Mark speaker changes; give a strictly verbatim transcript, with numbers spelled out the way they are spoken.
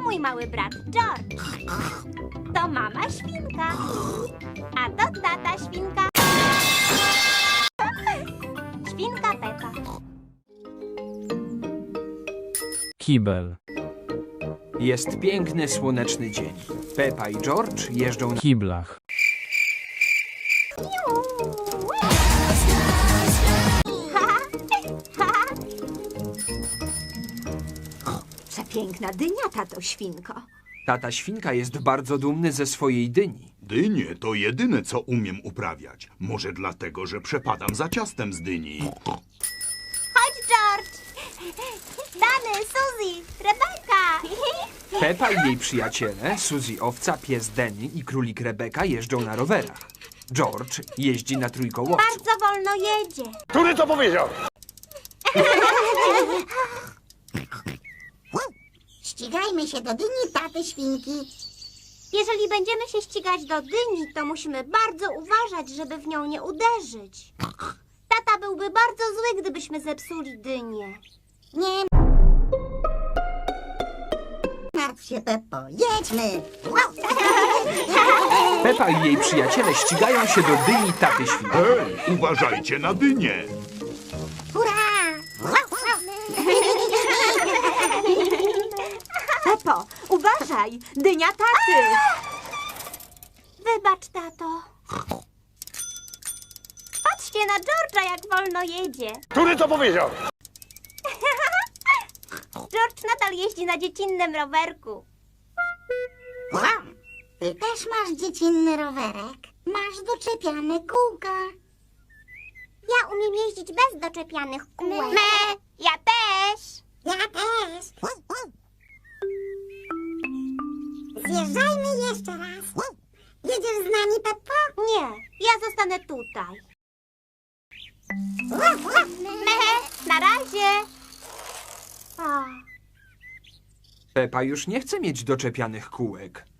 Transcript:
Speaker 1: mój mały brat George. To mama świnka. A to tata świnka. Świnka Pepa.
Speaker 2: Kibel.
Speaker 3: Jest piękny, słoneczny dzień. Pepa i George jeżdżą na
Speaker 2: Kiblach.
Speaker 4: Przepiękna dynia, tato świnko.
Speaker 3: Tata świnka jest bardzo dumny ze swojej dyni.
Speaker 5: Dynie to jedyne, co umiem uprawiać. Może dlatego, że przepadam za ciastem z dyni.
Speaker 1: Chodź, George. Dany, Suzy, Rebeka.
Speaker 3: Pepa i jej przyjaciele, Suzy owca, pies Denny i królik Rebeka jeżdżą na rowerach. George jeździ na trójkołowcu.
Speaker 1: Bardzo wolno jedzie.
Speaker 6: Który to powiedział?
Speaker 7: Ścigajmy się do dyni taty świnki.
Speaker 1: Jeżeli będziemy się ścigać do dyni, to musimy bardzo uważać, żeby w nią nie uderzyć. Tata byłby bardzo zły, gdybyśmy zepsuli dynię.
Speaker 7: Nie martw się, Peppo. Jedźmy.
Speaker 3: Pepa i jej przyjaciele ścigają się do dyni taty świnki.
Speaker 5: Hej, uważajcie na dynię!
Speaker 7: Hurra!
Speaker 4: Pepo, uważaj! Dynia taty!
Speaker 1: Wybacz, tato. Patrzcie na George'a, jak wolno jedzie.
Speaker 6: Który to powiedział?
Speaker 1: George nadal jeździ na dziecinnym rowerku.
Speaker 7: Wow. Ty też masz dziecinny rowerek. Masz doczepiane kółka.
Speaker 1: Ja umiem jeździć bez doczepianych kółek. Me, ja też.
Speaker 7: Ja też. Zjeżdżajmy jeszcze raz. Jedziesz z nami, Peppo?
Speaker 1: Nie, ja zostanę tutaj. Me, na razie. O,
Speaker 3: Pepa już nie chce mieć doczepianych kółek.